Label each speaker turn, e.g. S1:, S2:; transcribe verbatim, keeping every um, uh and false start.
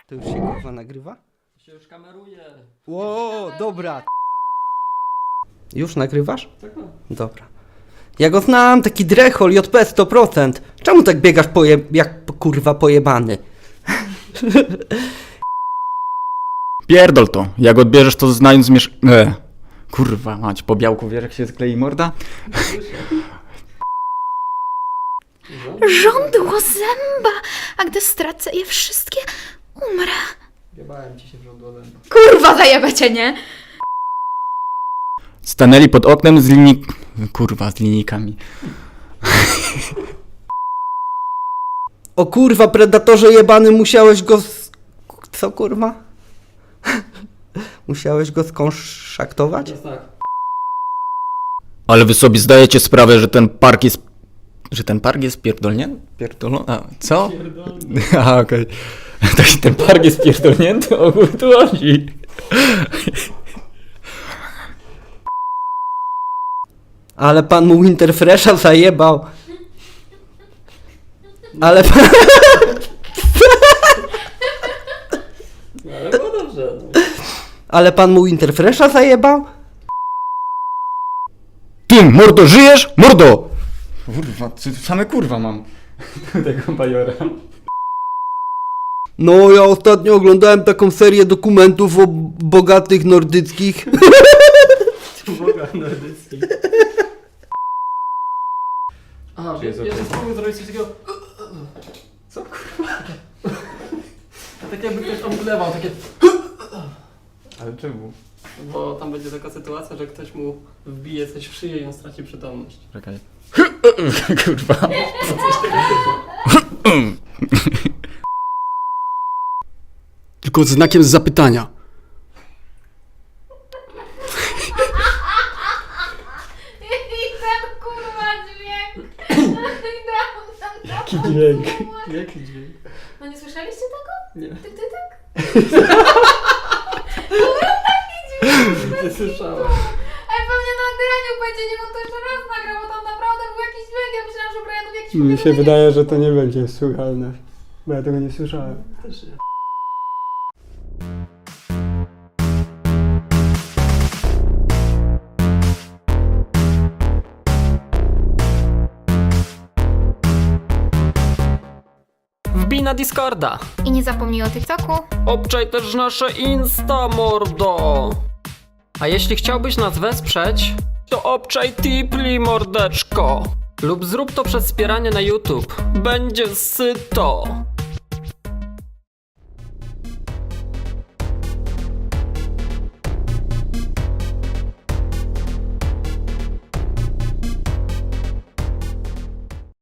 S1: To już się kurwa nagrywa?
S2: To się już kameruje.
S1: Ło, dobra. Już nagrywasz?
S2: Tak, no.
S1: Dobra. Ja go znam, taki drechol, J P sto procent. Czemu tak biegasz poje... jak kurwa pojebany?
S3: Pierdol to. Jak odbierzesz to znając miesz... E. Kurwa mać, po białku wiesz jak się sklei morda?
S4: Żądło zęba, a gdy stracę je wszystkie, umrę.
S2: Jebałem ci się w żądło zęba.
S4: Kurwa, zajebę cię, nie?
S3: Stanęli pod oknem z linii... Kurwa, z linijkami.
S1: O kurwa, predatorze jebany, musiałeś go z... Co kurwa? Musiałeś go skonszaktować?
S2: Teraz tak.
S3: Ale wy sobie zdajecie sprawę, że ten park jest... Że ten park jest pierdolnięty? Pierdolony? A, co?
S2: Pierdolny.
S3: A, okej. Okay. Ten park jest pierdolnięty? O chuj tu chodzi.
S1: Ale pan mu Winterfresha zajebał. Ale pan...
S2: No, ale było dobrze. No.
S1: Ale pan mu Winterfresha zajebał?
S3: Ty, mordo, żyjesz? Mordo! Kurwa, same kurwa mam. Tego bajora.
S1: No, ja ostatnio oglądałem taką serię dokumentów o bogatych nordyckich.
S2: Boga nordycki. A,
S3: Czy jest
S2: ja, ja
S3: okej?
S2: spróbuję zrobić coś takiego... Co kurwa? A tak jakby ktoś omdlewał, takie...
S3: Ale czemu?
S2: Bo tam będzie taka sytuacja, że ktoś mu wbije coś w szyję i on straci przytomność.
S3: Czekaj. Kurwa.
S5: Tylko z znakiem zapytania.
S4: I ten kurwa dźwięk.
S2: Jaki dźwięk? Jaki dźwięk?
S4: No nie słyszeliście tego?
S2: Nie.
S4: Ty, ty, tak?
S2: Nie słyszałem.
S4: Ej, pewnie na nagraniu będzie, nie bo to jeszcze raz nagrał, bo tam naprawdę był jakiś dźwięk, ja myślałam, że Brian w jakiś
S5: Mi się
S4: powiedzenie-
S5: wydaje, że to nie będzie słuchalne. Bo ja tego nie słyszałem.
S2: Też nie. Wbij na Discorda.
S4: I nie zapomnij o TikToku.
S2: Obczaj też nasze Insta, mordo. A jeśli chciałbyś nas wesprzeć, to obczaj Tipli, mordeczko. Lub zrób to przez wspieranie na YouTube. Będzie syto.